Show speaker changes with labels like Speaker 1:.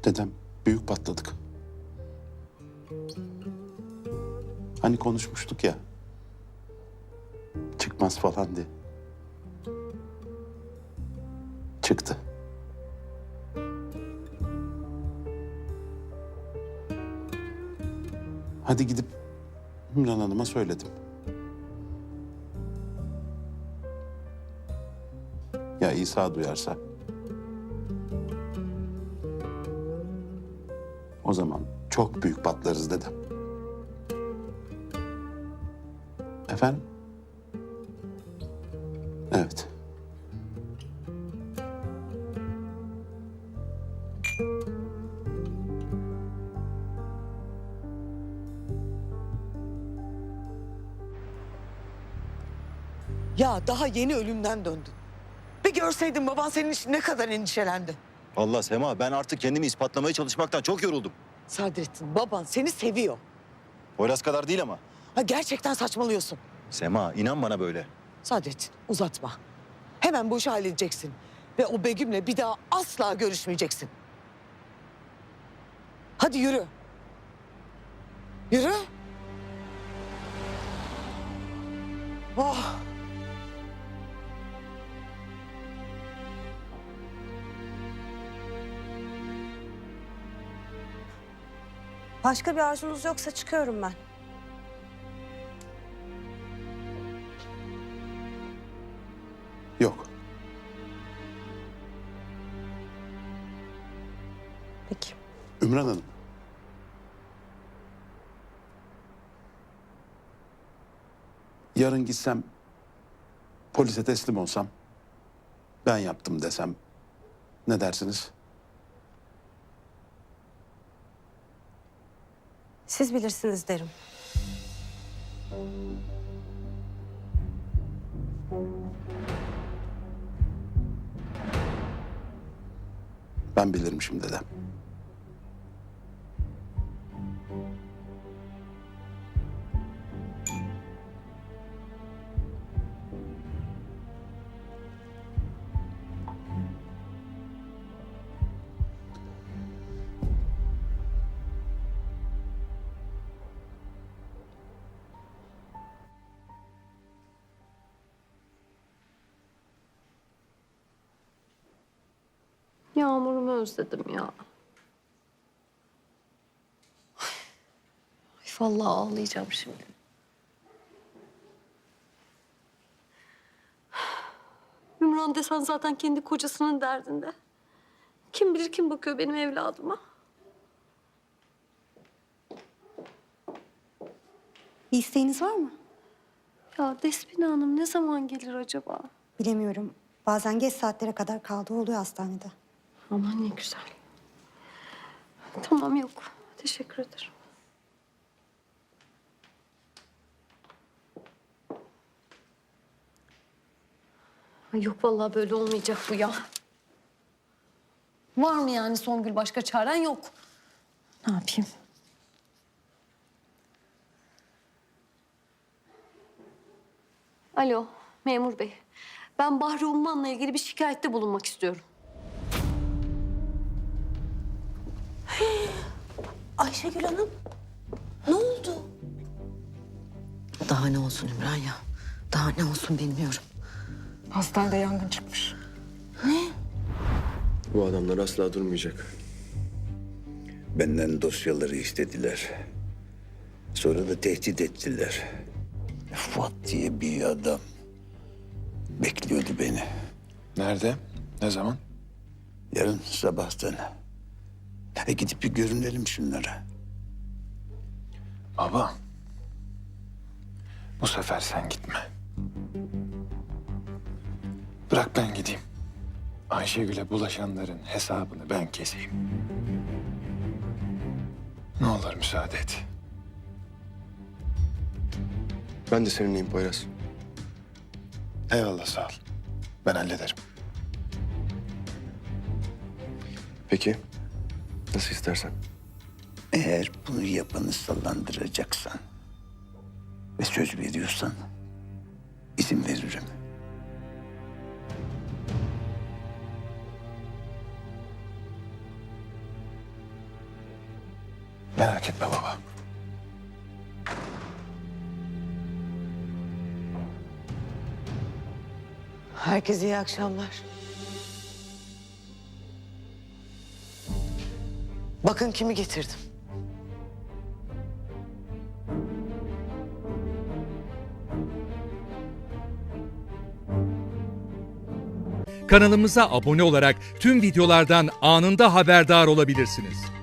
Speaker 1: Dedem, büyük patladık. Hani konuşmuştuk ya. Çıkmaz falan diye. Çıktı. Hadi gidip Ümran Hanım'a söyledim. Ya İsa duyarsa? O zaman çok büyük patlarız dedem. Efendim? Evet.
Speaker 2: Ya daha yeni ölümden döndün. Bir görseydin baban senin için ne kadar endişelendi.
Speaker 3: Allah Sema, ben artık kendimi ispatlamaya çalışmaktan çok yoruldum.
Speaker 2: Sadrettin, baban seni seviyor.
Speaker 3: Poyraz kadar değil ama.
Speaker 2: Ha, gerçekten saçmalıyorsun.
Speaker 3: Sema, inan bana böyle.
Speaker 2: Sadrettin, uzatma. Hemen bu işi halledeceksin. Ve o Begüm'le bir daha asla görüşmeyeceksin. Hadi yürü. Yürü. Oh.
Speaker 4: Başka bir arzunuz yoksa çıkıyorum ben.
Speaker 1: Yok.
Speaker 4: Peki.
Speaker 1: Ümran Hanım. Yarın gitsem, polise teslim olsam, ben yaptım desem, ne dersiniz?
Speaker 4: Siz bilirsiniz derim.
Speaker 1: Ben bilirim şimdi dedem.
Speaker 5: Yağmur'umu özledim ya. Ay, vallahi ağlayacağım şimdi. Ümran desen zaten kendi kocasının derdinde. Kim bilir kim bakıyor benim evladıma.
Speaker 4: Bir isteğiniz var mı?
Speaker 5: Ya Despina Hanım ne zaman gelir acaba?
Speaker 4: Bilemiyorum. Bazen geç saatlere kadar kaldığı oluyor hastanede.
Speaker 5: Aman ne güzel. Tamam yok. Teşekkür ederim. Ay yok vallahi böyle olmayacak bu ya. Var mı yani Songül başka çaren yok? Ne yapayım? Alo memur bey. Ben Bahri Umman'la ilgili bir şikayette bulunmak istiyorum.
Speaker 4: Ayşegül Hanım, ne oldu?
Speaker 2: Daha ne olsun Ümran ya? Daha ne olsun bilmiyorum.
Speaker 6: Hastanede yangın çıkmış.
Speaker 7: Bu adamlar asla durmayacak.
Speaker 8: Benden dosyaları istediler. Sonra da tehdit ettiler. Fuat diye bir adam bekliyordu beni.
Speaker 7: Nerede? Ne zaman?
Speaker 8: Yarın sabahtan. Gidip bir görünelim şunlara.
Speaker 7: Baba. Bu sefer sen gitme. Bırak ben gideyim. Ayşegül'e bulaşanların hesabını ben keseyim. Ne olur müsaade et.
Speaker 3: Ben de seninleyim Poyraz.
Speaker 7: Eyvallah sağ ol. Ben hallederim.
Speaker 3: Peki. Nasıl istersen.
Speaker 8: Eğer bunu yapanı sallandıracaksan ve söz veriyorsan izin veririm.
Speaker 7: Merak etme baba.
Speaker 2: Herkese iyi akşamlar. Bakın kimi getirdim.
Speaker 9: Kanalımıza abone olarak tüm videolardan anında haberdar olabilirsiniz.